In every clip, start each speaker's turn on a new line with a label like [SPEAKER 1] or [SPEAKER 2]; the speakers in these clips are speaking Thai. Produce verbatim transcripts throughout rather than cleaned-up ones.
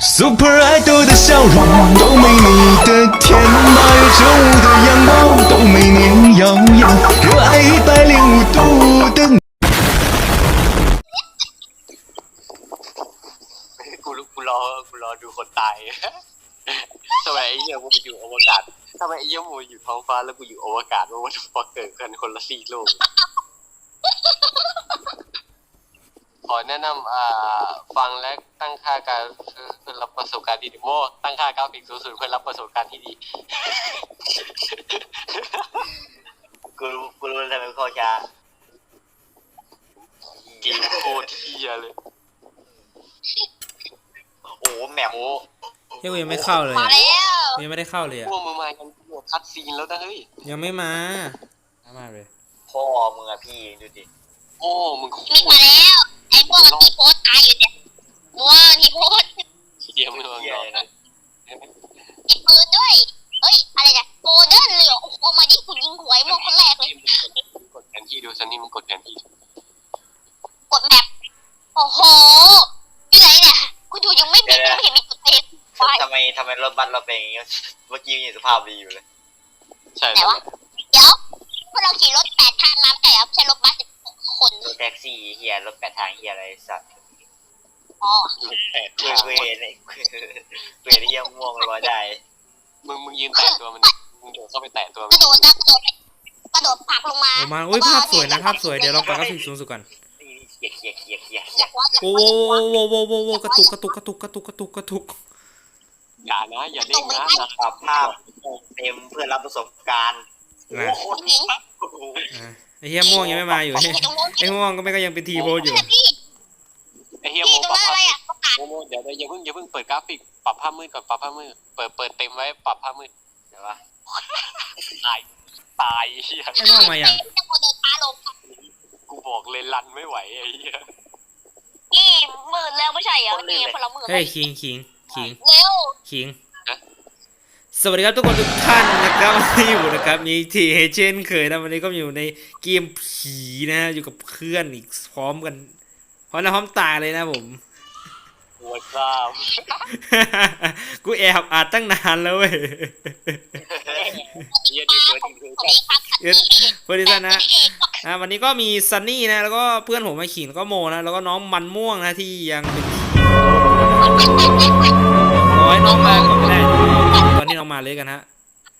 [SPEAKER 1] Super Idol 的笑容都没你的甜，八月正午的阳光都没你耀眼，热爱一百零五度的。
[SPEAKER 2] กูกูรอกูรอดูคนตายทำไมไอ้เหี้ยกูอยู่อวกาศทำไมไอ้เหี้ยกูอยู่ท้องฟ้าแล้วกูอยู่อวกาศว่าวันพอเกิดกันคนละซีกโลกขอแนะนำอ่าฟังและตั้งค่าการเพื่อรับประสบการณ์ที่ดีโม่ตั้งค่ากราฟิกสูงสุดเพื่อรับประสบการณ์ที่ดีกูกูรู้ทำไมข้อช้าเกมโคตรเหี้ยเลยโอ้แหมโอ้
[SPEAKER 3] เฮ้ยกูยังไม่เข้าเลย
[SPEAKER 4] มาแล้ว
[SPEAKER 3] ยังไม่ได้เข้าเลยอ่ะ
[SPEAKER 2] พวกมึงมากันหมดคัดซีนแล้วนะเฮ้ย
[SPEAKER 3] ยังไม่มามาเลย
[SPEAKER 2] พ่อมึงอะพี่ดูดิโอ้มึง
[SPEAKER 4] มิกมาแล้วไอ้พวกที่โพสตายอยู่เนี่ยมัวที่โพส
[SPEAKER 2] เยี่ยมเลยนะ
[SPEAKER 4] มีปืนด้วยเฮ้ยอะไรเนี่ยโมเดิร์นเลยโอ้โหมาดิคุณยิงหวยมัวคนแรกเลย
[SPEAKER 2] กดแผนที่ดูซันนี่มึงกดแผนที่
[SPEAKER 4] กดแมปโอ้โหที่ไหนเนี่ยกูดูยังไม่มียังไม่เห็นมีจุดเด่นไฟ
[SPEAKER 5] ทำไมทำไมรถบัสเราเป็นอย่างงี้เมื่อกี้ยังสภาพดีอยู่เลย
[SPEAKER 2] ใช่
[SPEAKER 4] แต่ว่าเดี๋ยวพวกเราขี่รถแปดทางมาแต่ใช่รถบัสสิบคน
[SPEAKER 5] รถแท็กซี่เฮียรถแปดทางเฮียอะไรสัตว์
[SPEAKER 4] อ๋อ
[SPEAKER 2] แปด
[SPEAKER 5] เวเวเนี่ยเวที่ยังม่วงร้อยได้
[SPEAKER 2] มึงมึงยืนแตะตัวมันมึงโดดเข้าไปแตะตัว
[SPEAKER 4] ก
[SPEAKER 2] มั
[SPEAKER 4] ระ
[SPEAKER 2] น
[SPEAKER 4] โดดนะกระโดดกระโดดผลักลงมา
[SPEAKER 3] โอ้มาอุ้ยภาพสวยนะภาพสวยเดี๋ยวลองปรับกราฟิกสูงสุดก่อน
[SPEAKER 5] เขียเขียเขียเขียเขี
[SPEAKER 4] อย ยากว่า
[SPEAKER 3] โอ้โหโอ้โหโอ้โหกระตุกกระตุกกระตุกกระตุกกระตุกกระตุก
[SPEAKER 2] อย่านะอย่าเด้งนะนะ
[SPEAKER 5] ปรับภาพเต็มเพื่อรับประสบการณ์
[SPEAKER 3] นะ
[SPEAKER 5] โอ้โห
[SPEAKER 3] อ่ะไอ้เหี้ยม่วงยังไม่มาอยู่
[SPEAKER 4] ไอ้ตรงนู้น
[SPEAKER 3] ไอ้ม่วงก็ไม่ก็ยังเป็นทีโพสอยู่
[SPEAKER 4] พี่
[SPEAKER 2] ไอ้เฮีย
[SPEAKER 4] พี่
[SPEAKER 2] โม
[SPEAKER 4] ตรง
[SPEAKER 2] ปรับ
[SPEAKER 4] นั้นอะไร
[SPEAKER 2] ภาพ
[SPEAKER 4] อ่ะประกาศ
[SPEAKER 2] โมโมเดี๋ยวอย่าเพิ่งอย่าเพิ่งเปิดกราฟิกปรับภาพมืดก่อนปรับภาพมืดเปิดเปิดเต็มไว้ปรับภาพมืด
[SPEAKER 5] เดี๋ยววะ
[SPEAKER 2] ตายตายเฮีย
[SPEAKER 3] ไอ้ม่วงมาอย่าง
[SPEAKER 4] จะโมเดินช้าลง
[SPEAKER 2] กูบอกเลยรันไม่ไหวไอ้เฮีย
[SPEAKER 4] พี่หมื่นแล้วไม่ใช่เหรอพี่คนละหมื่น
[SPEAKER 3] เฮ้ยขิงขิงขิง
[SPEAKER 4] เร็ว
[SPEAKER 3] ขิงสวัสดีครับทุกคนทุกท่านนะครับวันนี้อยู่นะครับมีทีเช่นเคยนะวันนี้ก็อยู่ในเกมผีนะฮะอยู่กับเพื่อนอีกพร้อมกันพร้อมนะพร้อมตายเลยนะผม
[SPEAKER 2] หัวซ้
[SPEAKER 3] กูแอบอัดตั้งนานแล้วเว้ย
[SPEAKER 2] ำเฮียดีเกินดีเกิน
[SPEAKER 4] สวัสดีครับ
[SPEAKER 3] เอิร์ธเพื่อนที่ท่านนะอ่ะวันนี้ก็มีซันนี่นะแล้วก็เพื่อนผมมาขิงแล้วก็โมนะแล้วก็น้องมันม่วงนะที่ยังเป็นโอ้ยน้องมาก่อนไม่ได้ตอนที่น้องมาเลยกันฮะ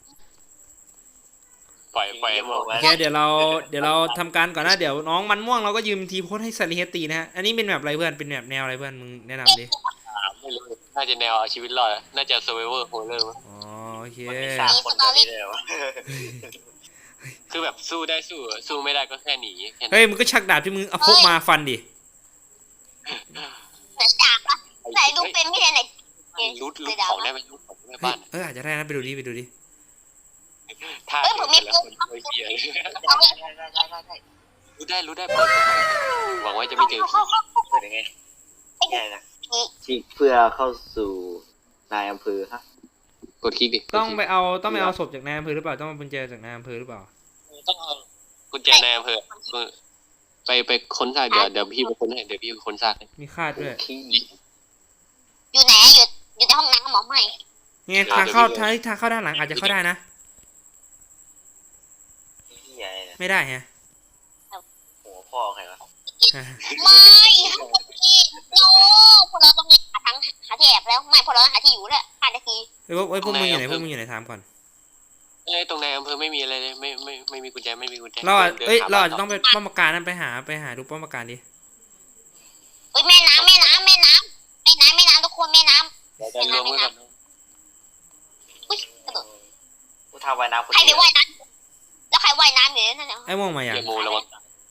[SPEAKER 2] ปล่อยปล่อยหมด
[SPEAKER 3] โอเคเดี๋ยวเราเดี๋ยวเราทำการก่อนนะเดี๋ยวน้องมันม่วงเราก็ยืมทีโพสให้ซาริเฮตีนะฮะอันนี้เป็นแบบอะไรเพื่อนเป็นแบบแนวอะไรเพื่อนมึงแนะนำดิ
[SPEAKER 2] ไม่รู้น่าจะแนวเอาชีวิตรอดน่าจะ survivor horror มั้ง
[SPEAKER 3] อ๋อโอเค
[SPEAKER 5] มันมีสามคนแบบนี้เลยวะ
[SPEAKER 2] คือแบบสู้ได้สู้สู้ไม่ได้ก็แค่หนีแค่นั้น
[SPEAKER 3] เฮ้ยมึงก็ชักดาบที่มึงเอาพกมาฟันดิ
[SPEAKER 4] เหมือนจากปะไหนดูเป็นพี่ไหน
[SPEAKER 2] รูดรูดของได้ไหมรูดของได้
[SPEAKER 3] เฮ้ย
[SPEAKER 2] บ้าน
[SPEAKER 3] เอออาจจะได้นะไปดูดิไปดูดิ
[SPEAKER 2] ถ้าเกิดแต่ละคนเคยเบียร์รู้ได้รู้ได้เปิดหวังว่าจะไม่เจอผี
[SPEAKER 5] เปิดยังไงแค่นะที่เพื่อเข้าสู่นายอำเภอฮะ
[SPEAKER 2] กดคลิกดิ
[SPEAKER 3] ต้องไปเอาต้องไปเอาศพจากนายอำเภอหรือเปล่าต้องเอากุญแจจากนายอำเภอหรือเปล่า
[SPEAKER 2] ต้องเอากุญแจในอำเภอไปไปค้นซากเดี๋ยวเดี๋ยวพี่ไปค้นให้เดี๋ยวพี่ไปค้นซาก
[SPEAKER 3] มีคาดด้วย
[SPEAKER 5] ขี้
[SPEAKER 4] อยู่ไหนอยู่อยู่ในห้องน้ำหมอใหม่
[SPEAKER 3] ไงทางเข้าทางทางเข้าด้านหลังอาจจะเข้าได้นะ
[SPEAKER 5] เฮียอะไรเนี่ย
[SPEAKER 3] ไม่ได้ฮะ
[SPEAKER 5] หัวพ่อใครวะ
[SPEAKER 4] ไม่พี่โน้พวกเราต้องหาทางหาที่แอบแล้วไม่พวกเราหาที่อยู่แล้วห้านาที
[SPEAKER 3] เฮ้ยพวกเฮ้ยพวกมึงอยู่ไหนพวกมึงอยู่ไหนถามก่อน
[SPEAKER 2] เอ้ยตรงในอำเภอไม่มีอะไรเลยไม่ไม่ไม่มีกุญแจไม่มีกุญแจ
[SPEAKER 3] เราอาจเอ้ยเราอาจจะต้องไปป้อมปราการนั้นไปหาไปหาดูป้อมปราการดิ
[SPEAKER 4] เฮ้ยแม่น้ำแม่น้ำแม่น้ำแม่น้ำแม่น้ำทุกคนแม่น้
[SPEAKER 2] เดี๋ยวจะรวมกัน
[SPEAKER 4] ำอุ้ยกระโดด
[SPEAKER 5] กูทำว่ายน้ำคน
[SPEAKER 4] ใคร
[SPEAKER 5] เดี
[SPEAKER 4] ไป
[SPEAKER 5] ยว
[SPEAKER 4] ว่ายน้ำแล้วใครว่ายน้ำอยู่นั่นน่ะ
[SPEAKER 3] ไอ้ม่วงมาอย่าง
[SPEAKER 2] เกียร์โมแล้ววะ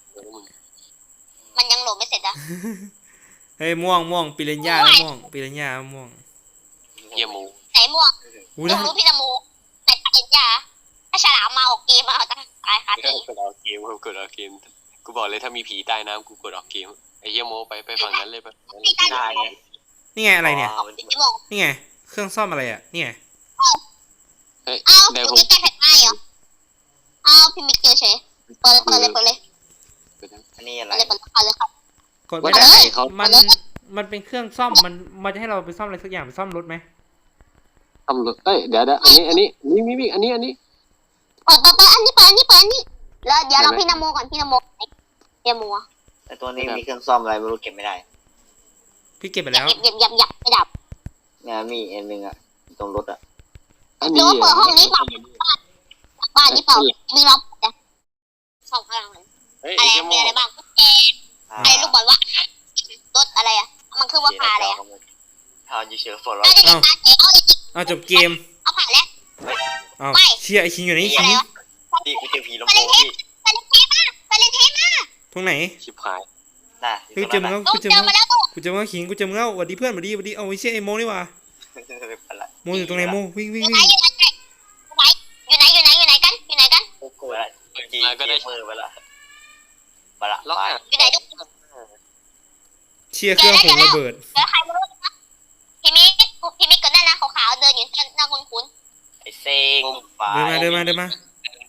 [SPEAKER 4] มันยังโหลดไม่เสร็จอ่ะ
[SPEAKER 3] เฮ้ยม่วงม่วงปิเรนย่าแล้วม่วงปิเรนย่าม่วง
[SPEAKER 2] เกียร์โม
[SPEAKER 4] ไหนม่วง
[SPEAKER 3] อู้
[SPEAKER 4] ดู
[SPEAKER 3] นะ
[SPEAKER 4] รู้พี่ตะมูไหนปากเห็นยาถ้าฉลามมาออกเกมมาเอาตายคาตี
[SPEAKER 2] กดออกเกมกดออกเกมกูบอกเลยถ้ามีผีใต้น้ำกูกดออกเกมไอ้เกียร์โมไปไปฝั่งนั้นเลยไป
[SPEAKER 5] ได้ไง
[SPEAKER 3] นี่ไงอะไรเนี่ย
[SPEAKER 4] พี่โมง
[SPEAKER 3] นี่ไงเครื่องซ่อมอะไรอ่ะนี่ไง
[SPEAKER 2] เฮ้ย
[SPEAKER 4] เอ้า
[SPEAKER 2] ได้
[SPEAKER 4] ดู
[SPEAKER 2] ผม
[SPEAKER 4] ใกล้ๆแผ่นไม้เหรอเอ้าพี่มิกเจอเฉยเปิดเลยเปิดเลยเปิดเลย
[SPEAKER 5] อันนี้อะไร
[SPEAKER 4] เปิดเลยเปิดเลยเปิดเลยครับ
[SPEAKER 3] กดไม่ได้
[SPEAKER 2] ว่าแต่เขา
[SPEAKER 3] มันมันเป็นเครื่องซ่อมมันมันจะให้เราไปซ่อมอะไรสักอย่างไปซ่อมรถไหม
[SPEAKER 2] ทำรถเอ้ยเดี๋ยวเดี๋ยวอันนี้อันนี้นี่มีมีอันนี้อันนี้
[SPEAKER 4] เปิดเปิดเปิดอันนี้เปิดอันนี้เปิดอันนี้แล้วเดี๋ยวเราพี่นโมก่อนพี่นโมพี่นโม
[SPEAKER 5] ไอตัวนี้มีเครื่องซ่อมอะไรไม่รู้เก็บไม่ได้
[SPEAKER 3] พี่เก็บไป
[SPEAKER 4] หยั
[SPEAKER 3] แล้
[SPEAKER 4] บ
[SPEAKER 3] ว
[SPEAKER 4] หยับหยับหยับไม่ดับ
[SPEAKER 5] เนี่ยมีอันหนึงอะตรงรถอะ
[SPEAKER 2] อัน
[SPEAKER 4] หรื
[SPEAKER 2] นี้
[SPEAKER 4] อว่าเปิดห้องนี้เปล่าบ้านนี้เปล่ามีล็อกนะสองพลัง
[SPEAKER 2] เฮ้ย
[SPEAKER 4] อะไร
[SPEAKER 2] ไอ้เหี้ย
[SPEAKER 4] มีอะไรบ้างกุญแจอะไรลูกบอลวะรถอะไรอ่ะมันคือว่าพาอะไรอ่ะ
[SPEAKER 5] พาอยู่เฉยฝนเรา
[SPEAKER 4] น่าจะเป็นตาเอ๋เอาอีก
[SPEAKER 3] เอาจบเกม
[SPEAKER 4] เอาผ่านแล้ว
[SPEAKER 3] เอา
[SPEAKER 4] ไม่
[SPEAKER 3] เชียไอคิงอยู่ไหนคิ
[SPEAKER 4] อะไร
[SPEAKER 3] ง
[SPEAKER 4] วะ
[SPEAKER 5] พี่กูเจอผีลำ
[SPEAKER 4] ไป
[SPEAKER 5] โพ
[SPEAKER 4] เล่น
[SPEAKER 5] ง
[SPEAKER 4] เทป
[SPEAKER 5] พี่
[SPEAKER 4] ไปเล่นเทปมาไปเล่นเทปมา
[SPEAKER 3] ตรงไหน
[SPEAKER 2] ชิบหาย
[SPEAKER 5] น่ะ
[SPEAKER 3] เฮ้ยเจอมึงแล้ว
[SPEAKER 4] ลู
[SPEAKER 3] กู
[SPEAKER 4] ก
[SPEAKER 3] เจอ
[SPEAKER 4] เจอ
[SPEAKER 3] มึ
[SPEAKER 4] มาง แล้วลูก
[SPEAKER 3] กูเจอมึงแล้วคิงกูเจอมึงแล้วสวัสดีเพื่อนสวัสดีสวัสดีเอาไอ้เชี่ยไอโมนี่หว่าโมอยู่ตรงไหนโมวิ่งวิ่ง
[SPEAKER 4] อยู่ไหน
[SPEAKER 3] วิ่ง
[SPEAKER 4] อยู่ไหนอยู่ไหนอยู่ไหนอยู่ไหนกันอยู่ไหนกัน
[SPEAKER 5] กูเปิดจีก็ได้มือไปละไปละ
[SPEAKER 2] ล็อก
[SPEAKER 5] ไป
[SPEAKER 2] อ่ะ
[SPEAKER 4] อยู่ไหนลูก
[SPEAKER 3] เชียเครื่องผมระเบิด
[SPEAKER 4] เดี๋ยวใครไม่รู้นะพี่มิกพี่มิกเกิดได้นะขาวๆเดินอยู่หน้าคุ้นคุ้น
[SPEAKER 5] ไอเซ็งไป
[SPEAKER 3] เดินมาเดินมาเดิน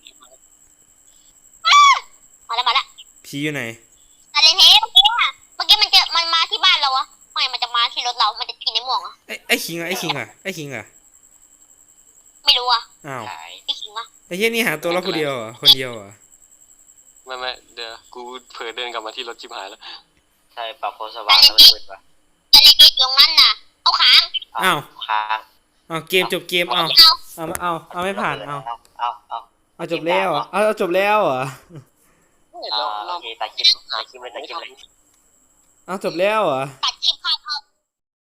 [SPEAKER 3] มา
[SPEAKER 4] มาแล้วมาแล้ว
[SPEAKER 3] ผีอยู่ไหน
[SPEAKER 4] ไปเล่นเทปเมื่อกี้อะเมื่อกี้มันจะมันมาที่บ้านเราอะทำไมมันจะมาที่รถเรา มันจะกินในหม่วงอะ
[SPEAKER 3] ไอ้ไอ้คิงอะไอ้คิงอะไอ้คิงอะ
[SPEAKER 4] ไม่รู้อะ
[SPEAKER 3] อ้าว
[SPEAKER 5] หาย
[SPEAKER 4] พี่ขิงอะ
[SPEAKER 3] ไอ้เฮียนี่หาตัวเราคนเดียวเหรอคนเดียวเหรอ
[SPEAKER 2] ไม่ไม่เดี๋ยวกูเผลอเดินกลับมาที่รถชิบหายแล้ว
[SPEAKER 5] ใช่ปรับโพสว่างแล้วมันมืดปะ
[SPEAKER 4] ไปเล่นเทปอยู่ตรงนั้นน่ะเอาขาง
[SPEAKER 3] อ้าว
[SPEAKER 5] ค้าง
[SPEAKER 3] เอาเกมจบเกมเอา
[SPEAKER 4] เอา
[SPEAKER 3] เอาเอาเอาไม่ผ่านเอา
[SPEAKER 5] เอาเอา
[SPEAKER 3] เอาจบแล้วเหรอเอาเอาจบแล้วเหรอ
[SPEAKER 5] เอาโอเคตัดคลิปตัดคลิปเลยตัดคลิปเลย
[SPEAKER 3] เอาจบแล้วเหรอ
[SPEAKER 4] ตัดคลิปเข้า